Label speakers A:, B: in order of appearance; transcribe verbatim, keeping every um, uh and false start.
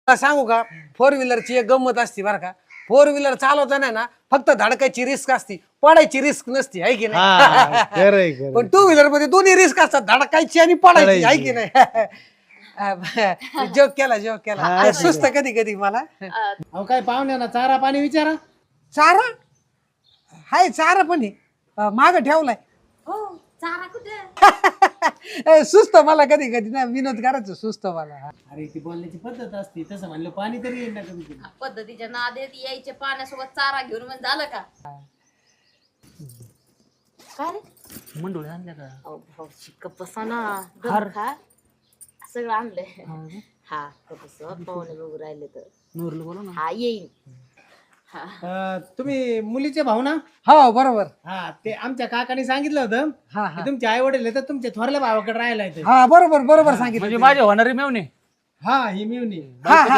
A: सांगू का फोर व्हीलरची एक गंमत असते बरं का. फोर व्हीलर चालवताना ना फक्त धडकायची रिस्क असती, पडायची रिस्क नसती, आहे की नाही. पण टू व्हीलर मध्ये दोन्ही रिस्क असतात, धडकायची आणि पडायची, आहे की नाही. जोक केला जोक केला. सुस्त कधी कधी मला.
B: अहो काय पाहुण्या ना चारा पाणी विचारा.
A: चारा हाय, चारा पण आहे माग ठेवलाय.
C: हो चारा कुठे
A: ए, सुस्त मला कधी कधी ना विनोद करायचं सुस्त मला.
B: अरे ती बोलण्याची पद्धत असते, तसं म्हणलं पाणी तरी येईल ना कधी कधी.
C: पद्धतीच्या नादेत यायचे पाण्यासोबत चारा घेऊन म्हणजे झालं का. काय रे
D: मंडोळी आणल्या का?
C: अहो भाऊ शिक्क बसा ना. दम खा. सगळं आणलंय. हा कपस पाहुणे बघू राहिले तर
D: नूरला बोला ना.
C: हा येईन.
B: अं, तुम्ही मुलीचे भाऊ ना?
A: हो बरोबर.
B: हा ते आमच्या काकाने सांगितलं होतं
A: हा
B: की
A: हा
B: तुमचे आई वडील तर तुमच्या थोरल्या भावाकडे राहायला येते.
A: हा बरोबर बरोबर सांगितलं.
D: म्हणजे माझे होणारे मेवणे.
B: हा ही मिळून
A: हा हा